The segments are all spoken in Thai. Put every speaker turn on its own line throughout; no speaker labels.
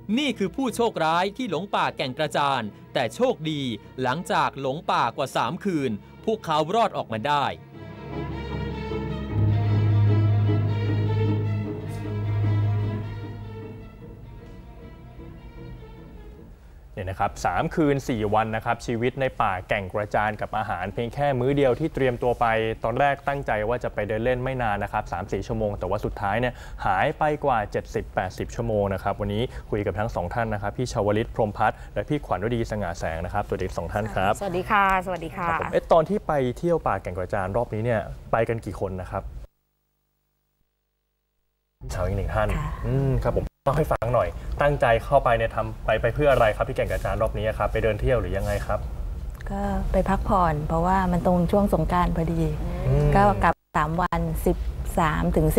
นี่คือผู้โชคร้ายที่หลงป่าแก่งกระจานแต่โชคดีหลังจากหลงป่ากว่า3 คืนพวกเขารอดออกมาได้
นะครับ3 คืน 4 วันนะครับชีวิตในป่าแก่งกระจานกับอาหารเพียงแค่มื้อเดียวที่เตรียมตัวไปตอนแรกตั้งใจว่าจะไปเดินเล่นไม่นานนะครับ 3-4 ชั่วโมงแต่ว่าสุดท้ายเนี่ยหายไปกว่า 70-80 ชั่วโมงนะครับวันนี้คุยกับทั้ง2 ท่านนะครับพี่ชวลิตพรหมพัฒน์และพี่ขวัญฤดีสง่าแสงนะครับสวัสดี2 ท่านครับ
สวัสดีค่ะสวัสดีค่ะ
ตอนที่ไปเที่ยวป่าแก่งกระจานรอบนี้เนี่ยไปกันกี่คนนะครับสาวอีก1 ท่านครับผมต้องให้ฟังหน่อยตั้งใจเข้าไปเนี่ยทำไปเพื่ออะไรครับที่แก่งกระจานรอบนี้ครับไปเดินเที่ยวหรือยังไงครับ
ก็ไปพักผ่อนเพราะว่ามันตรงช่วงสงกรานต์พอดีก็กลับ3 วัน13 ถึง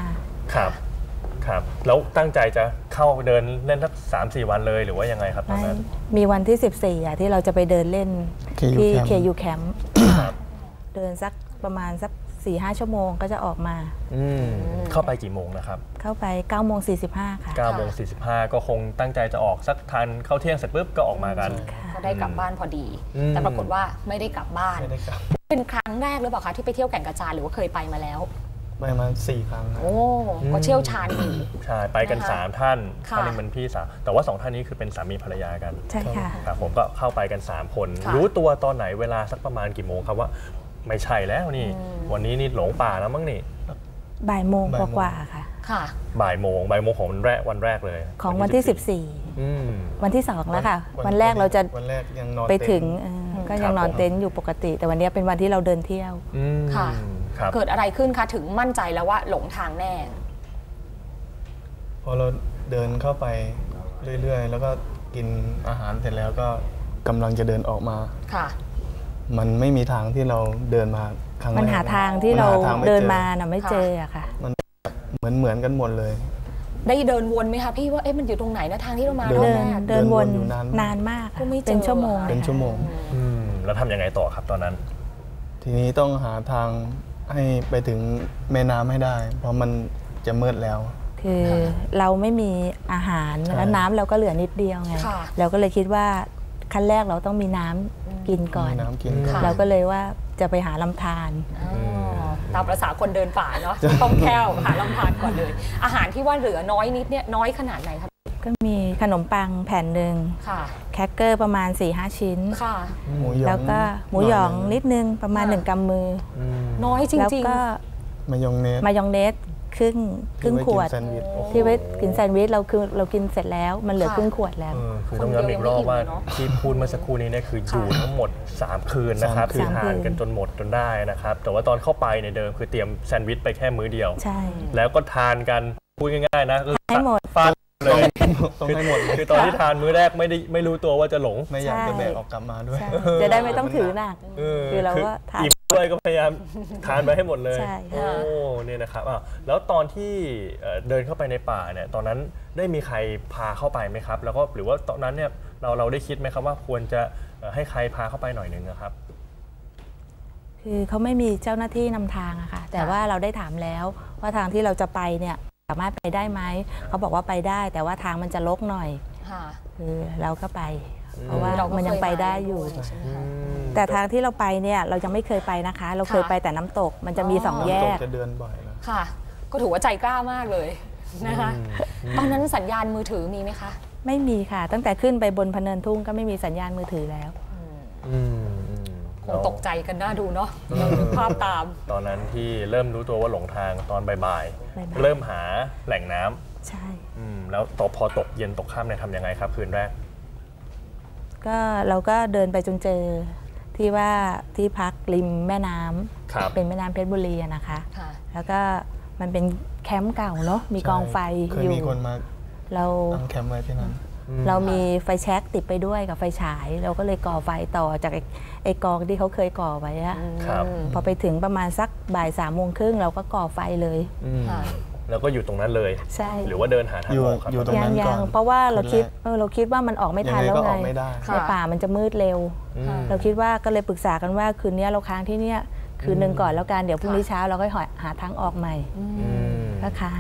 15
ครับครับแล้วตั้งใจจะเข้าเดินเล่นสัก3-4 วันเลยหรือว่ายังไงครับตอนนั้น
มีวันที่14ที่เราจะไปเดินเล่นที่ KU Camp เดินสักประมาณสัก4-5 ชั่วโมงก็จะออกมา
เข้าไปกี่โมงนะครับ
เข้าไป9:45 ค่ะ
9:45ก็คงตั้งใจจะออกสักทันเข้าเที่ยงเสร็จปุ๊บก็ออกมากัน
ก็ได้กลับบ้านพอดีแต่ปรากฏว่าไม่ได้กลับบ้านเป็นครั้งแรกหรือเปล่าคะที่ไปเที่ยวแก่งกระจานหรือว่าเคยไปมาแล้ว
ไปมา4 ครั้ง
โอ้ก็เชี่ยวชาญอยู่
ใช่ไปกัน3 ท่านท่านนึงเป็นพี่สาวแต่ว่า2 ท่านนี้คือเป็นสามีภรรยากัน
ใช่ค่ะ
ครับผมก็เข้าไปกัน3 คนรู้ตัวตอนไหนเวลาสักประมาณกี่โมงครับว่าไม่ใช่แล้วนี่วันนี้นี่หลงป่าแล้วมั้งนี่
บ่ายโมงกว่าค่ะ
ค่ะ
บ่ายโมงของวันแรกเลย
ของวันที่14วันที่2แล้วค่ะวันแรกเราจะไปถึงก็ยังนอนเต็นท์อยู่ปกติแต่วันนี้เป็นวันที่เราเดินเที่ยว
ค่ะเกิดอะไรขึ้นคะถึงมั่นใจแล้วว่าหลงทางแน่
พอเราเดินเข้าไปเรื่อยๆแล้วก็กินอาหารเสร็จแล้วก็กำลังจะเดินออกมา
ค่ะ
มันไม่มีทางที่เราเดินมาครั้งแรก
มันหาทางที่เราเดินมาน่ะไม่เจออะค่ะ
มันเหมือนกันหมดเลย
ได้เดินวนไหมคะพี่ว่ามันอยู่ตรงไหนนะทางที่เรามา
เดินวนนานมากเป็นชั่วโมง
แล้วทำยังไงต่อครับตอนนั้น
ทีนี้ต้องหาทางให้ไปถึงแม่น้ำให้ได้เพราะมันจะมืดแล้ว
คือเราไม่มีอาหารแล้วน้ำเราก็เหลือนิดเดียวไงเราก็เลยคิดว่าขั้นแรกเราต้องมีน้ำกินก่อนเราก็เลยว่าจะไปหาลำธาร
ตามประษาคนเดินป่าเนาะต้องแค่หาลำธารก่อนเลยอาหารที่ว่าเหลือน้อยนิดเนี่ยน้อยขนาดไหนครับ
ก็มีขนมปังแผ่นหนึ่งแคคเกอร์ประมาณ 4-5 ชิ้นแล้วก็หมูหยองนิดนึงประมาณ1 กำมือ
น้อยจริงๆแล้วก็
มาย
องเนสครึ่งขวดที่ไว้กินแซนด์วิชเรากินเสร็จแล้วมันเหลือครึ่งขวดแล้ว
คือต้องย้ำอีกรอบว่าที่พูดเมื่อสักครู่นี้เนี่ยคืออยู่ทั้งหมด3 คืนนะครับคือทานกันจนหมดจนได้นะครับแต่ว่าตอนเข้าไปในเดิมคือเตรียมแซนด์วิชไปแค่มื้อเดียวแล้วก็ทานกันพูดง่ายๆนะ
ให้หมด
ฟาดเลยต้องให้หมดคือตอนที่ทานมื้อแรกไม่รู้ตัวว่าจะหลง
ไม่อยากจะแบกออกกลับมาด้วย
จะได้ไม่ต้องถือหนักคือเราก็ทาน
ด้วยก็พยายามทานไปให้หมดเลยโอ้เนี่ยนะครับแล้วตอนที่เดินเข้าไปในป่าเนี่ยตอนนั้นได้มีใครพาเข้าไปไหมครับแล้วก็หรือว่าตอนนั้นเนี่ยเราได้คิดไหมครับว่าควรจะให้ใครพาเข้าไปหน่อยนึงนะครับ
คือเขาไม่มีเจ้าหน้าที่นำทางอะค่ะแต่ว่าเราได้ถามแล้วว่าทางที่เราจะไปเนี่ยสามารถไปได้ไหมเขาบอกว่าไปได้แต่ว่าทางมันจะรกหน่อยคือเราก็ไปเพราะว่ามันยังไปได้อยู่แต่ทางที่เราไปเนี่ยเรายังไม่เคยไปนะคะเราเคยไปแต่น้ำตกมันจะมี2 แยก
จะเดินบ่อยแล้ว
ค่ะก็ถือว่าใจกล้ามากเลยนะคะตอนนั้นสัญญาณมือถือมีไหมคะ
ไม่มีค่ะตั้งแต่ขึ้นไปบนพะเนินทุ่งก็ไม่มีสัญญาณมือถือแล้ว
คงตกใจกันน่าดูเนาะภาพตาม
ตอนนั้นที่เริ่มรู้ตัวว่าหลงทางตอนบ่ายๆเริ่มหาแหล่งน้
ำใช่
แล้วพอตกเย็นตกค่ำเนี่ยทำยังไงครับคืนแรก
ก็เราก็เดินไปจนเจอที่พักริมแม่น้ำเป็นแม่น้ำเพชรบุรีนะคะแล้วก็มันเป็นแคมป์เก่าเนาะมีกองไฟอยู่
มีคนมา
เรา
ตั้งแคมป์ไว้ที่นั้น
เรามีไฟแช็กติดไปด้วยกับไฟฉายเราก็เลยก่อไฟต่อจากไอ้กองที่เขาเคยก่อไว้อะพอไปถึงประมาณสักบ่าย3:30เราก็ก่อไฟเลย
แล้วก็อยู่ตรงนั้นเลย
ใช่
หรือว่าเดินหาทางออกครับ
อยู่ตรงนั้นก่อน
เพราะว่าเราคิดว่ามันออกไม่ทันแล้วไงในป่ามันจะมืดเร็วเราคิดว่าก็เลยปรึกษากันว่าคืนนี้เราค้างที่นี่คืนนึงก่อนแล้วกันเดี๋ยวพรุ่งนี้เช้าเราก็หาทางออกใหม่ก็ค้าง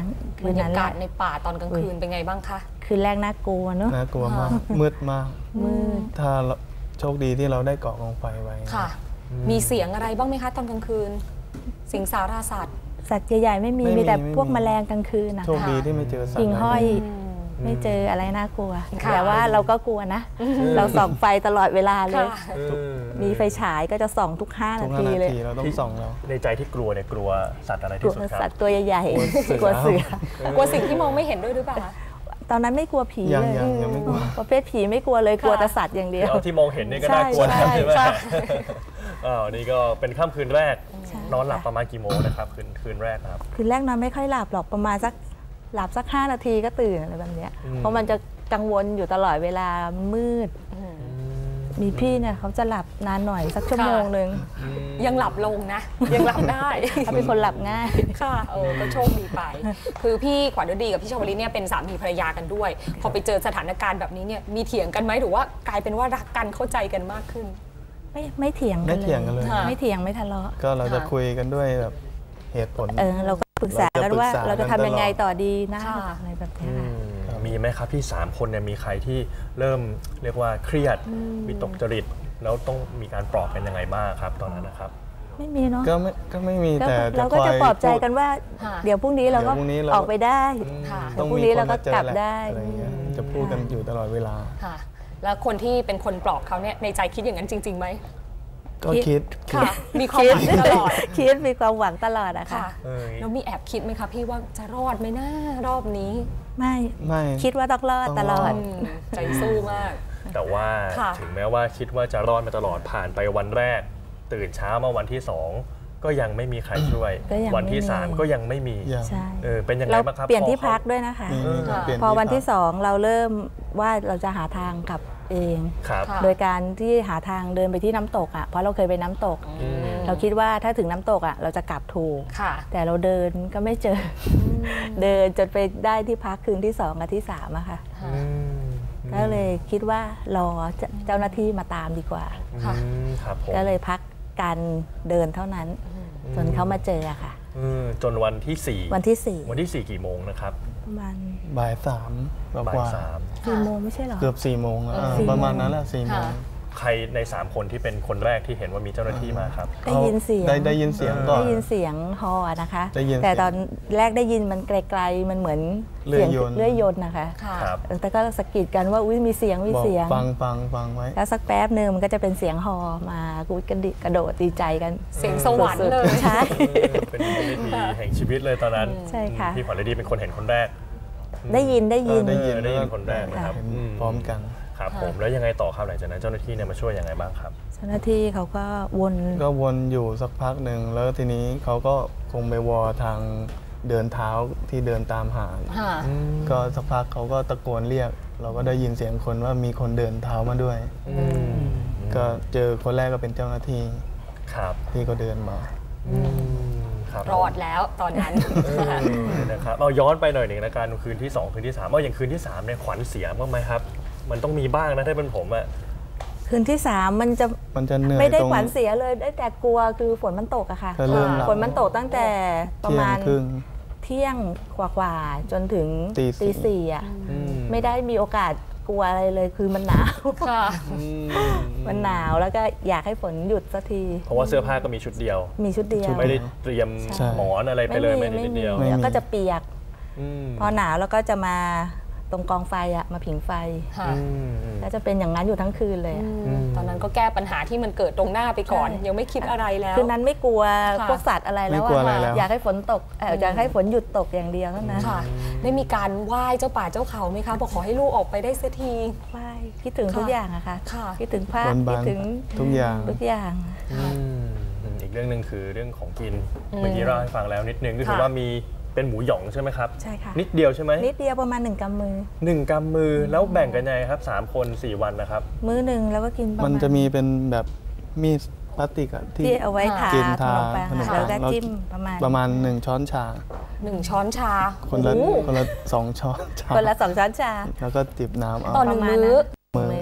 บรรยากาศในป่าตอนกลางคืนเป็นไงบ้างคะ
คืนแรกน่ากลัวเนอะ
น่ากลัวมากมืดมาก
มืด
ถ้าโชคดีที่เราได้เกาะกองไฟไว้
ค่ะ มีเสียงอะไรบ้างไหมคะตอนกลางคืนสิงสาราสัตว์
สัตว์ใหญ่ๆไม่มีแต่พวกแมลงกลางคืนนะ
โชคดีที่ไม่เจอสัตว์
หิ่งห้อยไม่เจออะไรน่ากลัวแต่ว่าเราก็กลัวนะ เราส่องไฟตลอดเวลาเลย มีไฟฉายก็จะส่องทุก5 นาทีเลย
เราต้องส่องแล้ว
ในใจที่กลัวเนี่ยกลัวสัตว์อะไร
กลั
ที่
ว
สุดค
สั
รั
ต
บ
ว์ตัวใหญ่ๆกลัวเสือก
ลัวสิ่งที่มองไม่เห็นด้วยหรือเปล่าคะ
ตอนนั้นไม่กลัวผี
ยัง
เลย
ยังไม่กลัว
ประเภทผีไม่กลัวเลยกลัวแต่สัตว์อย่างเดียว
เอาที่มองเห็นนี่ก็น่ากลัวนะ
ใช่
ใช่ไหม
ใช่
นี่ก็เป็นค่ำคืนแรก
ใช่
นอนหลับประมาณกี่โมงนะครับคืนแรกครับ
คืนแรกนอนไม่ค่อยหลับหรอกประมาณหลับสัก5 นาทีก็ตื่นอะไรแบบเนี้ยเพราะมันจะกังวลอยู่ตลอดเวลามืด มีพี่เนี่ยเขาจะหลับนานหน่อยสักชั่วโมงหนึ่ง
ยังหลับลงนะ ยังหลับได้
เขาเป็นคนหลับง่าย
ค่ะก็โชคดีไป คือพี่ขวัญฤดีกับพี่ชวลิตเนี่ยเป็นสามีภรรยากันด้วย พอไปเจอสถานการณ์แบบนี้เนี่ยมีเถียงกันไหมหรือว่ากลายเป็นว่ารักกันเข้าใจกันมากขึ้น
ไม่เถียงกัน
ไม่เถียงกันเลย
ค่ะ
ไม่เถียงไม่ทะเลาะ
ก็เราจะคุยกันด้วยแบบเหตุผล
เราก็ปรึกษากันว่าเราจะทำยังไงต่อดีนะ
ค่ะ
อะไรแบบเนี้ยค่ะ
มีไหมครับที่3 คนเนี่ยมีใครที่เริ่มเรียกว่าเครียดวิตกจริตแล้วต้องมีการปลอบกันยังไงบ้างครับตอนนั้นนะครับ
ไม่มีเนาะ
ก็ไม่มี
ก็
แต่
เราก็จะปลอบใจกันว่า
ค่ะ
เดี๋ยวพรุ่งนี้เราก็
เดี๋ยวพรุ่งนี้เรา
ออกไปได้
ค่ะ
ต้อง
พรุ่ง
มี
นี้
คน
เราก็
มาเจอก
ลับ
แหละ
ได้
อะไรเงี้ยจะพูดกันอยู่ตลอดเวลา
ค่ะ แล้วคนที่เป็นคนปลอบเขาเนี่ยในใจคิดอย่างนั้นจริงๆไหม
ก็คิด
ค่ะ มีความหวังตลอด
คิดมีความหวังตลอดอะค่ะ
ค่ะ แล้วมีแอบคิดไหมคะพี่ว่าจะรอดไหมนะรอบนี้
ไม่
ไม่
คิดว่าต้องรอดตลอด
ใจสู้มาก
แต่ว่า
ค่ะ
ถึงแม้ว่าคิดว่าจะรอดมาตลอดผ่านไปวันแรก ตื่นเช้ามาวันที่ 2 ก็ยังไม่มีใครช่วย
ก็ยัง
วันที่
ไม่มี
3 ก็ยังไม่มี
ยัง
ใช่
เป็นยังไง
เรา
บ้างครับ
เปลี่ยนที่
พอ
พักด้วยนะคะ
ค่ะ
เปลี่ยน
พอวันที่
พัก
2เราเริ่มว่าเราจะหาทางกลับเอง
ครับ
ค่ะ
โดยการที่หาทางเดินไปที่น้ำตกอ่ะเพราะเราเคยไปน้ำตก เราคิดว่าถ้าถึงน้ำตกอ่ะเราจะกลับถูก
ค่ะ
แต่เราเดินก็ไม่เจอเดินจนไปได้ที่พักคืนที่2กับที่3อะค่ะ ก็เลยคิดว่ารอเจ้าหน้าที่มาตามดีกว่า
ค่ะ
ครับผม
ก็เลยพักการเดินเท่านั้น จนเขามาเจออะค่ะ
จนวันที่ 4
วันที่
วันที่ 4 กี่โมงนะครับ
4ประมาณ
บ่าย 3
บ่าย
กว่า
3
4 โมงไม่ใช่เหรอ
เกือบ4 โมงแล้ว
4
ประมาณนั้นแหละ4 โมง
ค่ะ
ใครใน 3 คนที่เป็นคนแรกที่เห็นว่ามีเจ้าหน้าที่มาครับ
ได้ยินเสียง
ได้ยินเสียงก่อน
ได้ยินเสียงฮอนะคะ
ได้ยินเสียง
แต่ตอนแรกได้ยินมันไกลๆมันเหมือน
เลื่อย
เสียง
ยนต์
เลื่อยยนต์นะคะ
ค่ะ
ครับ
แต่ก็สะกิดกันว่าอุ้ยมีเสียงมี
บอก
เสียง
ฟังไว้
แล้วสักแป๊บหนึ่งมันก็จะเป็นเสียงฮอมากูกระโดดดีใจกัน
เสียงสวรรค์
สุดๆ
เลย
ใช่
เป็นวินาทีแห่งชีวิตเลยตอนนั้น
ใช่ค่ะ
พี่ขวัญฤดีเป็นคนเห็นคนแรก
ได้ยิน
ได้ยิน
ได้ยินคนแรกนะครับ
เห็นพร้อมกัน
ครับผมแล้วยังไงต่อครับหลังจากนั้นเจ้าหน้าที่เนี่ยมาช่วยยังไงบ้างครับ
เจ้าหน้าที่เขาก็วน
ก็วนอยู่สักพักหนึ่งแล้วทีนี้เขาก็คงไปวอทางเดินเท้าที่เดินตามหา
ค่ะ
ก็สักพักเขาก็ตะโกนเรียก เราก็ได้ยินเสียงคนว่ามีคนเดินเท้ามาด้วย ก็เจอคนแรกก็เป็นเจ้าหน้าที่
ครับ
ที่ก็เดินมา
ครับ
รอดแล้วตอนนั้น
นะครับเอาย้อนไปหน่อยหนึ่งนะการคืนที่ 2 คืนที่ 3เอาอย่างคืนที่3เนี่ยขวัญเสียบ้างไหมครับ มันต้องมีบ้างนะถ้าเป็นผมอะ
คืนที่ 3 มันจะ
เหนื่อย
ไม่ได้
ตรง
ขวัญเสียเลยได้แต่กลัวคือฝนมันตกอะค่ะ
ก็เริ่มหลับ
ฝนมันตกตั้งแต่ประ
เที่ย
มาง ณ
ครึ่ง
เที่ยงกว่าๆจนถึง
ตีสี่
4อะไม่ได้มีโอกาสกลัวอะไรเลยคือมันหนาว
ค่ะ
มันหนาวแล้วก็อยากให้ฝนหยุดสักที
เพราะว่าเสื้อผ้าก็มีชุดเดียว
มีชุดเดียว
ไม่ได้เตรียม
ใช่
หมอนอะไรไปเลยไม่ได้นิดเดียว
ไม่มี
แล้วก็จะเปียก
อืม
พอหนาวแล้วก็จะมาตรงกองไฟอะมาผิงไฟ
ค่ะ
ก็จะเป็นอย่างนั้นอยู่ทั้งคืนเลยอะ
ตอนนั้นก็แก้ปัญหาที่มันเกิดตรงหน้าไปก่อน ยังไม่คิดอะไรแล้ว
คืนนั้นไม่กลัว
ค่ะ
พวกสัตว์อะไรแล้ว
ไม่กลัวอะไรแล้ว
อยากให้ฝนตกอยากให้ฝนหยุดตกอย่างเดียวเท่านั้น
ค่ะ ได้มีการไหว้เจ้าป่าเจ้าเขาไหมคะบอกขอให้ลูกออกไปได้สักที
ไหว้คิดถึงทุกอย่างอะค่ะ
ค่ะ
คิดถึงภา
บ
พ
น
คิ
บา
ด
น
ถึง
ทุกอย่าง
ทุกอย่าง
อีกเรื่องหนึ่งคือเรื่องของกินเมื่อกี้เราให้ฟังแล้วนิดนึงก็คือ
ค่ะ
ว่ามีเป็นหมูหยองใช่ไหมครับ
ใช่ค่ะ
นิดเดียวใช่ไหม
นิดเดียวประมาณ1 กำมือ
1 กำมือแล้วแบ่งกันยังไงครับ3 คน 4 วันนะครับ
มื้อหนึ่งแล้วก็กินประ
มัน
มาณ
จะมีเป็นแบบมีดพลาสติกอะที่
ที่เอาไว้ทา
กิน
ข
ทาน
มปัง
ขนม
แล้ว
ปั
ก็
งแล้ว
จิ้มประมาณ
1 ช้อนชา
1 ช้อนชา
คนละ
โอ้โห
2 ช้อนชา
คนละ2 ช้อนชา
แล้วก็จิบน้ำเอา
ต่อ 1 มื้อ
มือ
โอ้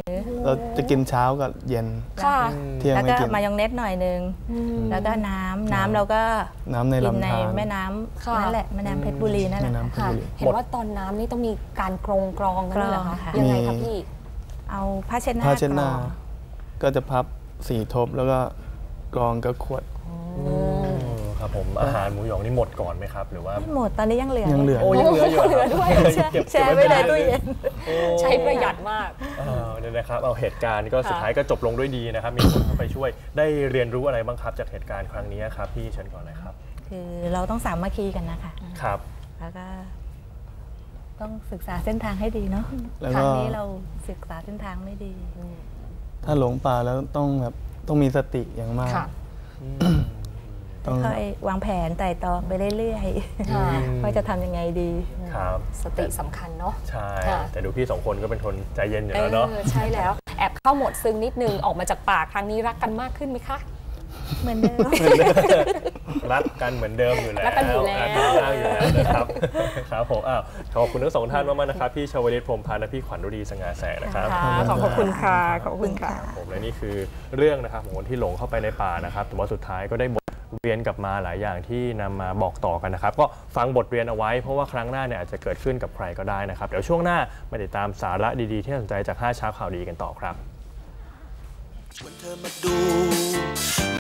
เราจะกินเช้ากับเย็น
ค่ะ
เที่ยง
แล้ว
ไม่
ก็
กิน
มายองเนสหน่อยนึงแล้วก็น้ำเราก็
น้ำใน
กิน
ลำ
ใน
ธาร
แม่น้
ค่ะ
ำนั่นแหละแม่น้ำเพชรบุรีนั่นแห
แม่
ละ
น้ำเพชร
ค่ะ
บุรี
เห็นว่าตอนน้ำนี่ต้องมีการกรองกันด้วยเหรอคะ
กรองค่ะ
ยังไงคะพี่
เอาผ้าเช็ดหน้า
ผ้าเช็ดหน้า
กรอง
ก็จะพับ4 ทบแล้วก็กรองกับขวด
ครับผมอาหารหมูหยองนี่หมดก่อนไหมครับหรือว่า
ไม่หมดตอนนี้ยังเหลือ
ยังเหลือ
โอ้ยังเหลืออยู่
เหลือด้วย
แช่ไว้ในตู้เย็น
ใช้ประหยัดมาก
เนี่ยนะครับเอาเหตุการณ์ก็สุดท้ายก็จบลงด้วยดีนะครับมีคนเข้าไปช่วยได้เรียนรู้อะไรบ้างครับจากเหตุการณ์ครั้งนี้ครับพี่เชิญก่อนเลยครับ
คือเราต้องสามัคคีกันนะคะ
ครับ
แล้วก็ต้องศึกษาเส้นทางให้ดีเนาะ
แล้ว
ค
ก็
รั้งนี้เราศึกษาเส้นทางไม่ดี
ถ้าหลงป่าแล้วต้องมีสติอย่างมาก
ค่ะ
ต้อง
ค่อยวางแผนไต่ตองไปเรื่อย
ค่ะ
ๆว่าจะทำยังไงดี
ครับ
สติสำคัญเนาะ
ใช่
ค่ะ
แต่ดูพี่2 คนก็เป็นคนใจเย็นอยู่แล้วเนาะ
ใช่แล้ว แอบเข้าโหมดซึ้งนิดนึงออกมาจากป่าครั้งนี้รักกันมากขึ้นไหมคะ
เหมือนเดิม
รักกันเหมือนเดิมอยู่แล้ว
รักกันอยู่แล้ว
รักกันมากอยู่แล้วนะครับ ครับผมขอบคุณทั้ง2 ท่านมากๆนะครับพี่ชวลิตพรหมพันธ์และพี่ขวัญฤดีสง่าแสงนะครับ
ขอบคุณค่ะ ขอบคุณค่ะ
ผมและนี่คือเรื่องนะครับของคนที่หลงเข้าไปในป่านะครับแต่ว่าสุดท้ายก็ได้บทเรียนกลับมาหลายอย่างที่นำมาบอกต่อกันนะครับก็ฟังบทเรียนเอาไว้เพราะว่าครั้งหน้าเนี่ยอาจจะเกิดขึ้นกับใครก็ได้นะครับเดี๋ยวช่วงหน้ามาติดตามสาระดีๆที่น่าสนใจจาก5 เช้าข่าวดีกันต่อครับ
ชวนเธอมาดู